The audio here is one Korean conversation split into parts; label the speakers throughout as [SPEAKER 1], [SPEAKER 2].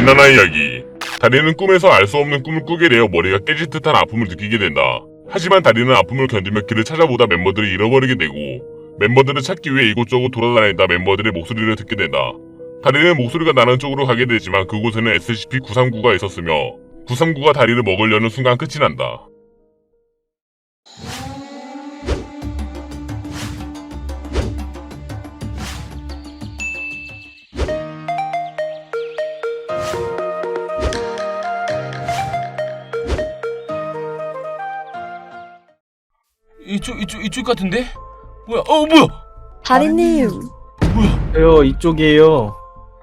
[SPEAKER 1] 지난화 이야기. 다리는 꿈에서 알 수 없는 꿈을 꾸게 되어 머리가 깨질 듯한 아픔을 느끼게 된다. 하지만 다리는 아픔을 견디며 길을 찾아보다 멤버들을 잃어버리게 되고 멤버들을 찾기 위해 이곳저곳 돌아다니다 멤버들의 목소리를 듣게 된다. 다리는 목소리가 나는 쪽으로 가게 되지만 그곳에는 SCP-939가 있었으며 939가 다리를 먹으려는 순간 끝이 난다.
[SPEAKER 2] 이쪽 같은데? 뭐야? 뭐야?
[SPEAKER 3] 다리님.
[SPEAKER 2] 뭐야?
[SPEAKER 4] 이쪽이에요.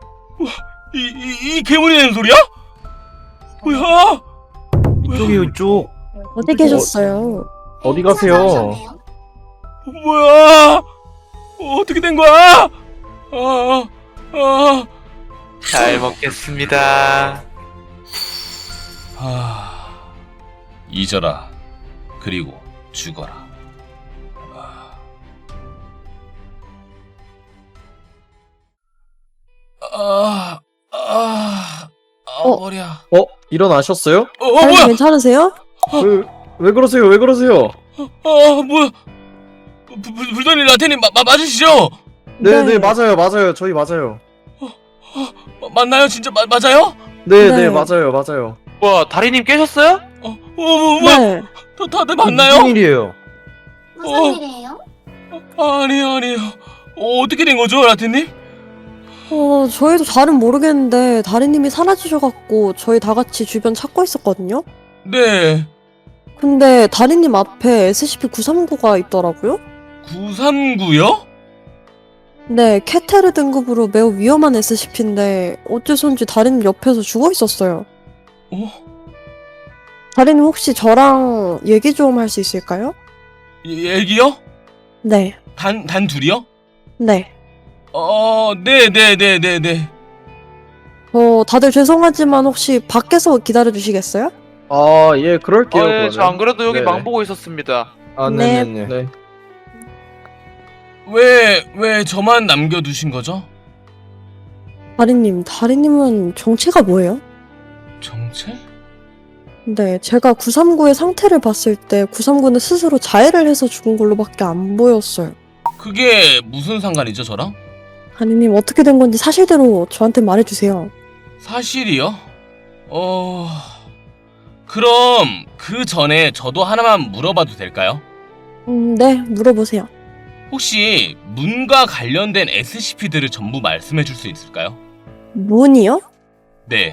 [SPEAKER 2] 이 괴물이 내는 소리야? 뭐야?
[SPEAKER 4] 이쪽이에요, 이쪽.
[SPEAKER 3] 어디 계셨어요?
[SPEAKER 4] 어디 가세요?
[SPEAKER 2] 뭐야? 어떻게 된 거야?
[SPEAKER 5] 잘 먹겠습니다.
[SPEAKER 2] 잊어라. 그리고 죽어라. 머리야.
[SPEAKER 4] 일어나셨어요?
[SPEAKER 3] 다리님
[SPEAKER 2] 뭐야?
[SPEAKER 3] 괜찮으세요?
[SPEAKER 4] 왜 그러세요? 왜 그러세요?
[SPEAKER 2] 뭐야? 불더니 라테님 맞으시죠?
[SPEAKER 4] 네, 맞아요. 저희 맞아요.
[SPEAKER 2] 맞나요? 진짜 맞아요?
[SPEAKER 4] 네,
[SPEAKER 3] 네.
[SPEAKER 4] 맞아요.
[SPEAKER 5] 와, 다리님 깨셨어요?
[SPEAKER 2] 뭐야?
[SPEAKER 3] 네.
[SPEAKER 2] 다들 맞나요?
[SPEAKER 4] 무슨 일이에요?
[SPEAKER 6] 무슨 일이에요?
[SPEAKER 2] 아니에요. 어떻게 된 거죠, 라테님?
[SPEAKER 3] 저희도 잘은 모르겠는데 다리님이 사라지셔갖고 저희 다 같이 주변 찾고 있었거든요?
[SPEAKER 2] 네.
[SPEAKER 3] 근데 다리님 앞에 SCP-939가 있더라고요?
[SPEAKER 2] 939요?
[SPEAKER 3] 네, 케테르 등급으로 매우 위험한 SCP인데 어째서인지 다리님 옆에서 죽어 있었어요. 다리님 혹시 저랑 얘기 좀 할 수 있을까요?
[SPEAKER 2] 얘기요?
[SPEAKER 3] 네.
[SPEAKER 2] 단 둘이요?
[SPEAKER 3] 네.
[SPEAKER 2] 네네네네네.
[SPEAKER 3] 다들 죄송하지만 혹시 밖에서 기다려 주시겠어요?
[SPEAKER 4] 예, 그럴게요.
[SPEAKER 5] 네, 저 안 그래도 여기
[SPEAKER 4] 네.
[SPEAKER 5] 망 보고 있었습니다.
[SPEAKER 3] 네.
[SPEAKER 4] 네.
[SPEAKER 2] 왜 저만 남겨두신 거죠?
[SPEAKER 3] 다리님은 정체가 뭐예요?
[SPEAKER 2] 정체?
[SPEAKER 3] 네, 제가 939의 상태를 봤을 때 939는 스스로 자해를 해서 죽은 걸로밖에 안 보였어요.
[SPEAKER 2] 그게 무슨 상관이죠, 저랑?
[SPEAKER 3] 다리님 어떻게 된 건지 사실대로 저한테 말해주세요.
[SPEAKER 2] 사실이요? 그럼 그 전에 저도 하나만 물어봐도 될까요?
[SPEAKER 3] 네, 물어보세요.
[SPEAKER 2] 혹시 문과 관련된 SCP들을 전부 말씀해 줄 수 있을까요?
[SPEAKER 3] 문이요?
[SPEAKER 2] 네.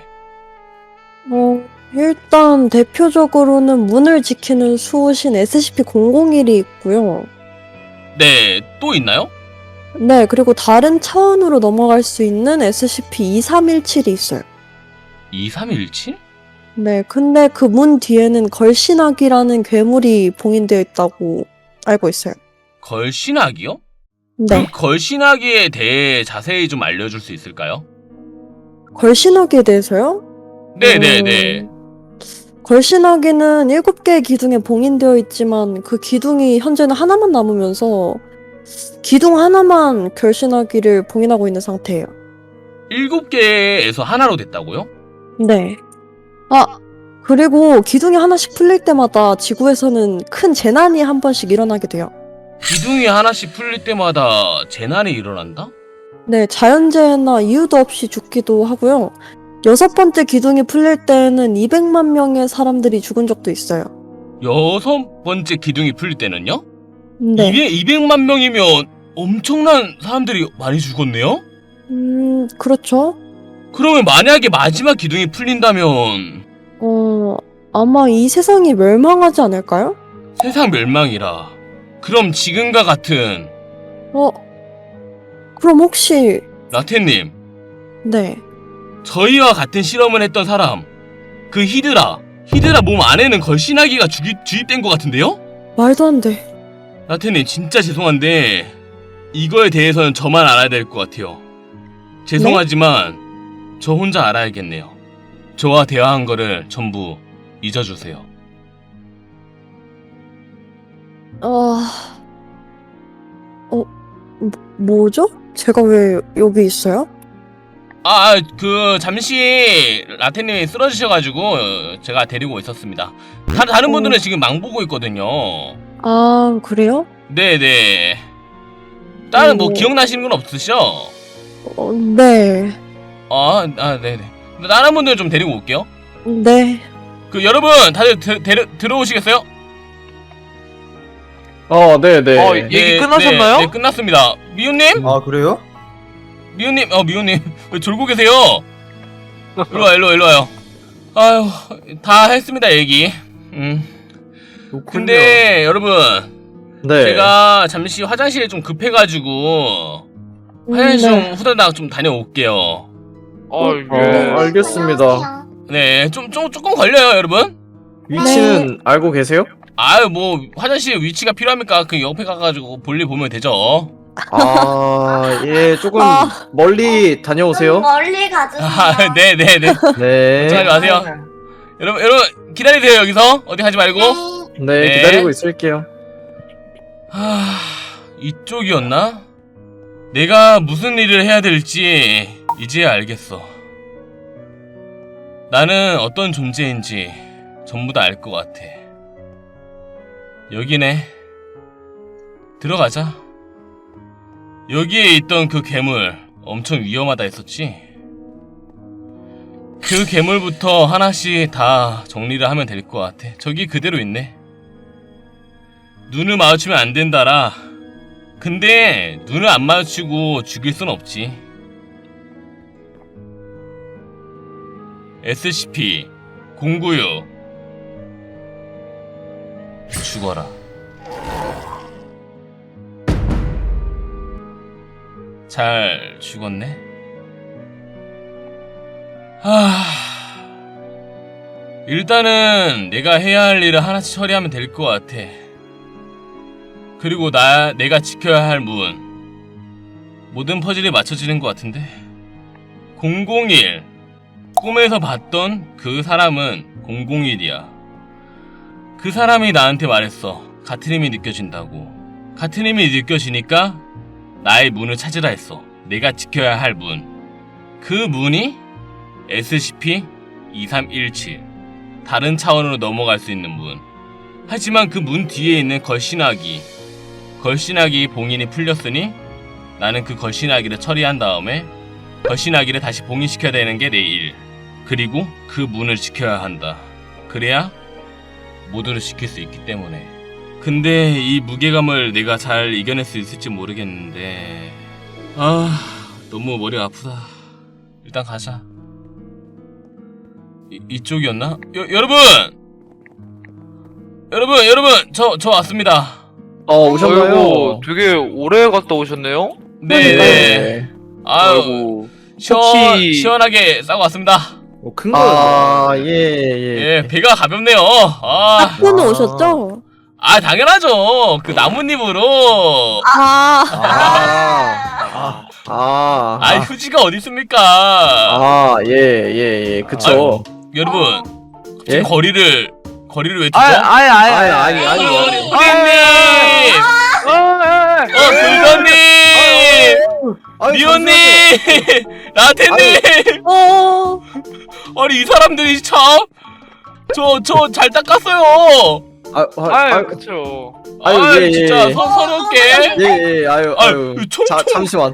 [SPEAKER 3] 일단 대표적으로는 문을 지키는 수호신 SCP-001이 있고요.
[SPEAKER 2] 네, 또 있나요?
[SPEAKER 3] 네, 그리고 다른 차원으로 넘어갈 수 있는 SCP-2317이 있어요.
[SPEAKER 2] 2317?
[SPEAKER 3] 네, 근데 그 문 뒤에는 걸신학이라는 괴물이 봉인되어 있다고 알고 있어요.
[SPEAKER 2] 걸신학이요?
[SPEAKER 3] 네,
[SPEAKER 2] 그 걸신학에 대해 자세히 좀 알려줄 수 있을까요?
[SPEAKER 3] 걸신학에 대해서요?
[SPEAKER 2] 네네네.
[SPEAKER 3] 걸신학에는 7개의 기둥에 봉인되어 있지만 그 기둥이 현재는 하나만 남으면서 기둥 하나만 결신하기를 봉인하고 있는 상태예요.
[SPEAKER 2] 7개에서 하나로 됐다고요?
[SPEAKER 3] 네. 그리고 기둥이 하나씩 풀릴 때마다 지구에서는 큰 재난이 한 번씩 일어나게 돼요.
[SPEAKER 2] 기둥이 하나씩 풀릴 때마다 재난이 일어난다?
[SPEAKER 3] 네, 자연재해나 이유도 없이 죽기도 하고요. 6번째 기둥이 풀릴 때에는 200만 명의 사람들이 죽은 적도 있어요.
[SPEAKER 2] 6번째 기둥이 풀릴 때는요?
[SPEAKER 3] 네.
[SPEAKER 2] 이게 200만 명이면 엄청난 사람들이 많이 죽었네요?
[SPEAKER 3] 그렇죠.
[SPEAKER 2] 그러면 만약에 마지막 기둥이 풀린다면
[SPEAKER 3] 아마 이 세상이 멸망하지 않을까요?
[SPEAKER 2] 세상 멸망이라. 그럼 지금과 같은
[SPEAKER 3] 그럼 혹시,
[SPEAKER 2] 라테님,
[SPEAKER 3] 네.
[SPEAKER 2] 저희와 같은 실험을 했던 사람, 그 히드라 몸 안에는 걸신아기가 주입된 것 같은데요?
[SPEAKER 3] 말도 안 돼.
[SPEAKER 2] 라테님 진짜 죄송한데 이거에 대해서는 저만 알아야 될 것 같아요. 죄송하지만 저 혼자 알아야겠네요. 저와 대화한 거를 전부 잊어주세요.
[SPEAKER 3] 뭐죠? 제가 왜 여기 있어요?
[SPEAKER 2] 잠시 라테님이 쓰러지셔가지고 제가 데리고 있었습니다. 다른 분들은 지금 망 보고 있거든요.
[SPEAKER 3] 아, 그래요?
[SPEAKER 2] 네네. 다른 뭐
[SPEAKER 3] 오.
[SPEAKER 2] 기억나시는 건 없으시죠?
[SPEAKER 3] 네.
[SPEAKER 2] 네네. 다른 분들 좀 데리고 올게요.
[SPEAKER 3] 네.
[SPEAKER 2] 그 여러분 다들 들어오시겠어요?
[SPEAKER 4] 네네.
[SPEAKER 5] 얘기 끝나셨나요?
[SPEAKER 2] 네, 끝났습니다. 미호님?
[SPEAKER 7] 아 그래요?
[SPEAKER 2] 미호님, 미호님 왜 졸고 계세요? 일로 와요. 아유, 다 했습니다 얘기. 근데 여러분,
[SPEAKER 4] 네.
[SPEAKER 2] 제가 잠시 화장실에 좀 급해가지고 화장실 좀 후다닥 좀 다녀올게요.
[SPEAKER 4] 알겠습니다.
[SPEAKER 2] 네, 조금 걸려요, 여러분.
[SPEAKER 4] 위치는 알고 계세요?
[SPEAKER 2] 아유, 뭐 화장실 위치가 필요합니까? 그 옆에 가가지고 볼일 보면 되죠.
[SPEAKER 4] 예, 조금
[SPEAKER 3] 아.
[SPEAKER 4] 멀리 다녀오세요.
[SPEAKER 6] 멀리 가주세요.
[SPEAKER 2] 네네네.
[SPEAKER 4] 네.
[SPEAKER 2] 걱정하지 마세요. 여러분 기다리세요 여기서 어디 가지 말고.
[SPEAKER 4] 네,
[SPEAKER 2] 네.
[SPEAKER 4] 기다리고 있을게요.
[SPEAKER 2] 이쪽이었나? 내가 무슨 일을 해야 될지 이제야 알겠어. 나는 어떤 존재인지 전부 다 알 것 같아. 여기네. 들어가자. 여기에 있던 그 괴물 엄청 위험하다 했었지? 그 괴물부터 하나씩 다 정리를 하면 될 것 같아. 저기 그대로 있네. 눈을 마주치면 안 된다라. 근데 눈을 안 마주치고 죽일 순 없지. SCP-096 죽어라. 잘 죽었네. 일단은 내가 해야 할 일을 하나씩 처리하면 될 것 같아. 그리고 내가 지켜야 할 문. 모든 퍼즐이 맞춰지는 것 같은데. 001. 꿈에서 봤던 그 사람은 001이야. 그 사람이 나한테 말했어. 같은 힘이 느껴진다고. 같은 힘이 느껴지니까 나의 문을 찾으라 했어. 내가 지켜야 할 문. 그 문이 SCP-2317. 다른 차원으로 넘어갈 수 있는 문. 하지만 그 문 뒤에 있는 걸신아기 봉인이 풀렸으니 나는 그 걸신아기를 처리한 다음에 걸신아기를 다시 봉인시켜야 되는 게 내 일. 그리고 그 문을 지켜야 한다. 그래야 모두를 지킬 수 있기 때문에. 근데 이 무게감을 내가 잘 이겨낼 수 있을지 모르겠는데 너무 머리가 아프다. 일단 가자. 이쪽이었나? 여러분 저 왔습니다.
[SPEAKER 4] 오셨나요?
[SPEAKER 5] 아이고, 되게 오래 갔다 오셨네요?
[SPEAKER 2] 네. 아유,
[SPEAKER 5] 혹시-
[SPEAKER 2] 시원하게 싸고 왔습니다.
[SPEAKER 7] 큰 거였네.
[SPEAKER 4] 예.
[SPEAKER 2] 예, 배가 가볍네요.
[SPEAKER 3] 학교는 오셨죠?
[SPEAKER 2] 당연하죠. 그 나뭇잎으로. 휴지가 어디 있습니까?
[SPEAKER 4] 예. 그쵸.
[SPEAKER 2] 여러분,
[SPEAKER 4] 예?
[SPEAKER 2] 거리를 외치죠.
[SPEAKER 4] 아니.
[SPEAKER 2] 후디님, 불더님, 미호님, 라테님. 아니 이 사람들이 참, 저 잘 닦았어요.
[SPEAKER 5] 그쵸.
[SPEAKER 2] 진짜 서럽게.
[SPEAKER 4] 예. 아유. 잠시만.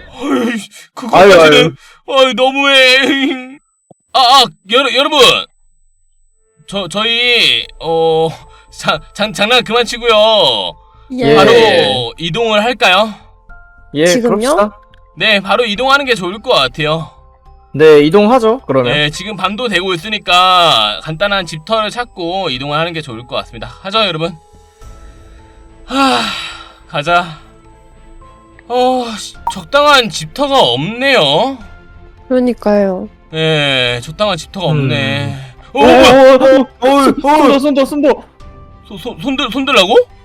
[SPEAKER 2] 그거까지는 너무해. 여러분, 저희 장난 그만 치고요.
[SPEAKER 3] 예.
[SPEAKER 2] 바로 이동을 할까요?
[SPEAKER 4] 예,
[SPEAKER 3] 지금요?
[SPEAKER 4] 그럽시다.
[SPEAKER 2] 네, 바로 이동하는 게 좋을 것 같아요.
[SPEAKER 4] 네, 이동하죠. 그러면.
[SPEAKER 2] 네, 지금 밤도 되고 있으니까 간단한 집터를 찾고 이동을 하는 게 좋을 것 같습니다. 하죠, 여러분. 가자. 적당한 집터가 없네요.
[SPEAKER 3] 그러니까요.
[SPEAKER 2] 네, 적당한 집터가 없네.
[SPEAKER 4] 손도.
[SPEAKER 2] 손들라고?